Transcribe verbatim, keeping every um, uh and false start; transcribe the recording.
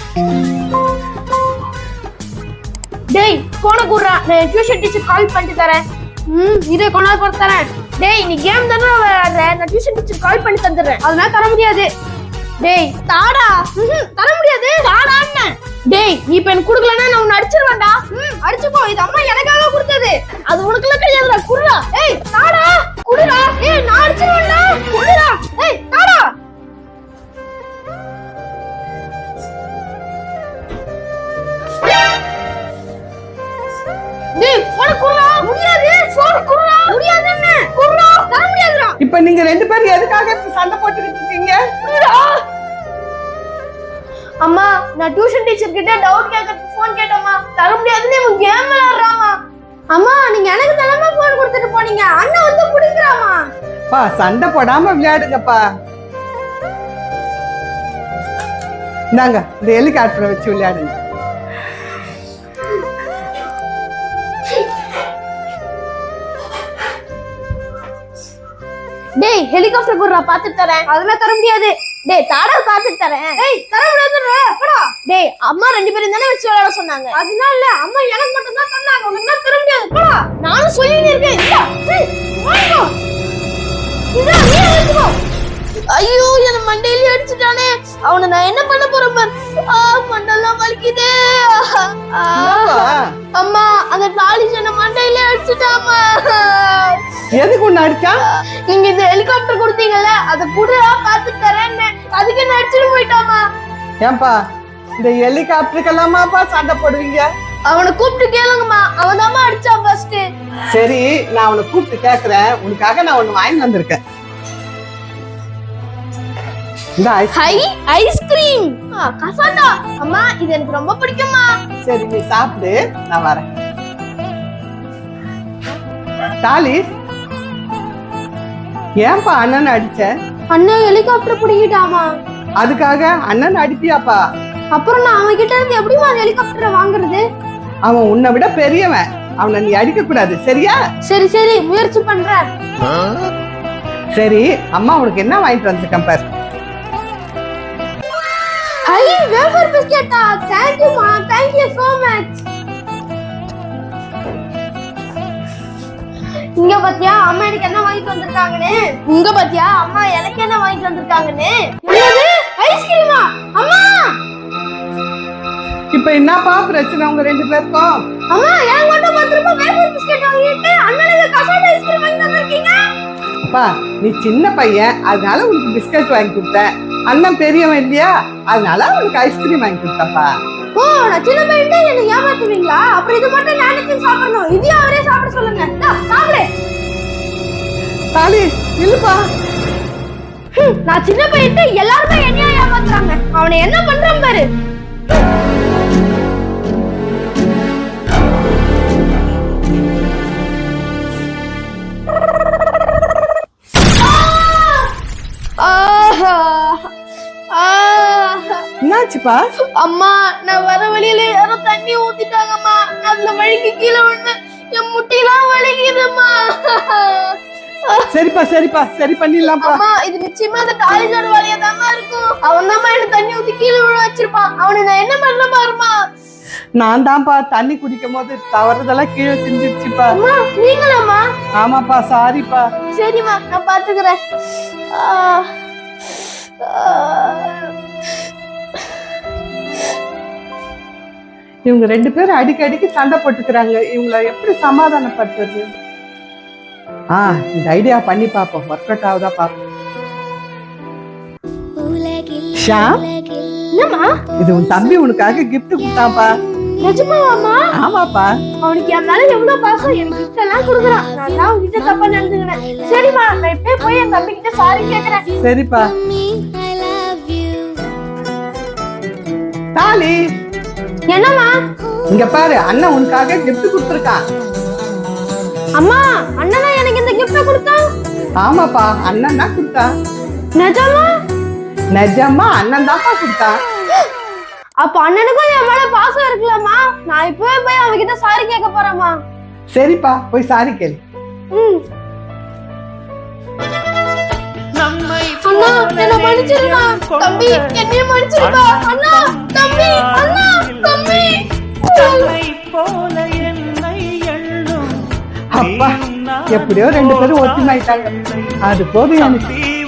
டேய் போன குடுறா, நான் டியூஷன் டீச்சர் கால் பண்ணிட்டு தரேன். ம் இரு கொண்டா போட்டு தரேன். டேய் நீ கேம் தானே விளையாடுற, நான் டியூஷன் டீச்சர் கால் பண்ணி தந்துடுறேன். அதெல்லாம் தர முடியாது. டேய் தாடா. ம் தர முடியாது. தாடான்னு. டேய் நீ இப்ப எனக்கு குடுக்கலன்னா நான் உன்னை அடிச்சிருவேன்டா. ம் அடிச்சுக்கோ, இது அம்மா எனக்காக கொடுத்தது. அது உனக்குலாம் கிடையாதுடா. குடுடா. ஏய் தாடா குடுடா. ஏய் நான் அடிச்சிருவேன்டா. குடுடா. ஏய் தாடா. டேய் போன குடுடா. முடியாது. போன குடுடா. முடியாதுன்னு. குடுடா. தர முடியாதுடா. இப்போ நீங்க ரெண்டு பேரும் எதுக்காக சண்டை போட்டுக்கிட்டு இருக்கீங்க? குடுடா. அம்மா நான் டியூஷன் டீச்சர் கிட்ட டவுட் கேட்கறதுக்கு ஃபோன் கேட்டேம்மா, தர முடியாதுன்னு இவன் கேம் விளையாடுறாமா. அம்மா நீங்க எனக்கு தானமா ஃபோன் கொடுத்துட்டு போனீங்க, அண்ணன் வந்து குடிக்கறாமா. பா சண்டை போடாம விளையாடுங்கப்பா. நாங்க இந்த ஹெலிகாப்டரை வச்சு விளையாடுங்க. டேய் ஹெலிகாப்டர் குடுறா, பாத்து தரேன். அதெல்லாம் தர முடியாது. டேய் தாடா பாத்து தரேன். டேய் தர முடியாதுடா. போடா. டேய் அம்மா ரெண்டு பேரும் தானே வச்சு விளையாட சொன்னாங்க. அதனால இல்ல, அம்மா எனக்கு மட்டும் தான் தந்தாங்க. உனக்கு தர முடியாது. போடா. நானும் சொல்லிட்டே இருக்கேன். இல்ல. டேய் வாங்கோ. இதா நீ எடுத்துக்கோ. ஐயோ என்ன மண்டையில அடிச்சிட்டானே. அவனை நான் என்ன பண்ண போறேன் பார். ஆ மண்டெல்லாம் வலிக்குதே. அம்மா அந்த டாலிஷ் என்ன மண்டையில அடிச்சிட்டாமா. எதுக்கு உன்னை அடிச்சா? நீங்க இந்த ஹெலிகாப்டர் கொடுத்தீங்கல்ல, அத குடுறா பாத்து தரேன்னு, அதுக்கு என்ன அடிச்சிட்டு போயிட்டாமா. ஏன்பா இந்த ஹெலிகாப்டருக்கெல்லாமாப்பா சண்டை போடுவீங்க? அவனை கூப்பிட்டு கேளுங்கம்மா, அவன் தாமா அடிச்சான் ஃபர்ஸ்ட். சரி நான் அவனை கூப்பிட்டு கேக்குறேன். உனக்காக நான் ஒண்ணு வாங்கி வந்திருக்கேன். இந்த ஹை ஐஸ்கிரீம். கசாண்டா அம்மா இது எனக்கு ரொம்ப பிடிக்கும்மா. சரி நீ சாப்பிடு, நான் வரேன். டாலிஷ் ஏன்பா அண்ணன் அடிச்ச? அண்ணன் ஹெலிகாப்டர் பிடிக்கிட்டாமா. அதுக்காக அண்ணன் அடிப்பியாப்பா? அப்புறம் நான் அவன் கிட்ட இருந்து எப்படிமா ஹெலிகாப்டரை வாங்குறது? அவன் உன்னை விட பெரியவன், அவனை நீ அடிக்க கூடாது சரியா? சரி சரி முயற்சி பண்றேன். சரி அம்மா உனக்கு என்ன வாங்கிட்டு வந்திருக்கேன் பாரு. ஹை வேஃபர் பிஸ்கட்டா. Thank you மா, thank you so much. இங்க பாத்தியா அம்மா எனக்கு என்ன வாங்கிட்டு வந்திருக்காங்கன்னு. இங்க பாத்தியா அம்மா எனக்கு என்ன வாங்கிட்டு வந்திருக்காங்கன்னு. என்னது ஐஸ்கிரீமா? அம்மா இப்ப என்னப்பா பிரச்சனை உங்க ரெண்டு பேருக்கும்? அம்மா ஏன் மட்டும் பத்து ரூபாய் வேஃபர் பிஸ்கட் வாங்கிட்டு அண்ணனுக்கு கசாண்டா ஐஸ்கிரீம் வாங்கி தந்திருக்கீங்க. அப்பா நீ சின்ன பையன், அதனால உனக்கு பிஸ்கட் வாங்கி கொடுத்தேன். அண்ணன் பெரியவன் இல்லையா, அதனால உனக்கு ஐஸ்கிரீம் வாங்கி கொடுத்தப்பா. ஓ நான் சின்ன பையன் தான் என்ன ஏமாத்துவீங்களா? அப்புறம் இது மட்டும் நானே சாப்பிடணும், இதையும் அவரே சாப்பிட சொல்லுங்க. சாப்பிடு. டாலிஷ் இல்லப்பா. நான் சின்ன பையன், எல்லாருமே என்னையா ஏமாத்துறாங்க. அவனை என்ன பண்றான் பாரு. என்னாச்சுப்பா? அம்மா நான் வர வழியில யாரோ தண்ணி ஊத்திட்டாங்கம்மா. அந்த வழிக்கு கீழே விழுந்து என் முட்டிலாம் வலிக்குதும்மா. சரிப்பா சரிப்பா சரி பண்ணிடலாம்ப்பா. அம்மா இது நிச்சயமா அந்த டாலிஷோட வழியா தாமா இருக்கும். அவன் தாமா என்ன தண்ணி ஊத்தி கீழே விழ வச்சிருப்பான். அவனை நான் என்ன பண்ண பாருமா. நான் தான்ப்பா தண்ணி குடிக்கும் போது தவறுதெல்லாம் கீழே சிந்திச்சுப்பா. அம்மா நீங்களாம்மா? ஆமாப்பா சாரிப்பா. சரிம்மா நான் பாத்துக்கிறேன். இவங்க ரெண்டு பேரும் அடிக்கடிக்கு சண்டை போட்டுக்கிறாங்க. இவங்களை எப்படி சமாதானப்படுத்துறது? ஆ இந்த ஐடியா பண்ணி பாப்போம், ஒர்க் அவுட் ஆகுதா பாப்போம். ஷாம் என்னம்மா? இது உன் தம்பி உனக்காக கிஃப்ட் கொடுத்தாப்பா. நிஜமாவாம்மா? ஆமாப்பா. அவனுக்கு என் மேல எவ்வளவு பாசம், என் கிஃப்ட் எல்லாம் கொடுக்குறான். நான் தான் உன்கிட்ட தப்பா நடந்துக்கிறேன். சரிம்மா நான் இப்பவே போய் என் தம்பி கிட்ட சாரி கேக்குறேன். சரிப்பா. டாலி என்னம்மா? இங்க பாரு, அண்ணன் உனக்காக கிஃப்ட் கொடுத்திருக்கான். அம்மா அண்ணனா எனக்கு இந்த கிஃப்ட் கொடுத்தான்? ஆமாப்பா அண்ணன் தான் கொடுத்தான். நிஜமா? நிஜமா அண்ணன் தான்ப்பா கொடுத்தான். அப்ப அண்ணனுக்கும் என் மேல பாசம் இருக்குல்லம்மா. நான் இப்பவே போய் அவன் கிட்ட சாரி கேட்க போறேம்மா. சரிப்பா போய் சாரி கேளு. ம் அண்ணா என்ன மன்னிச்சிருமா. தம்பி என்னைய மன்னிச்சிருப்பா. அண்ணா தம்பி அப்பா எப்படியோ ரெண்டு பேரும் ஒத்துமைட்டாங்க அது போதும் எனக்கு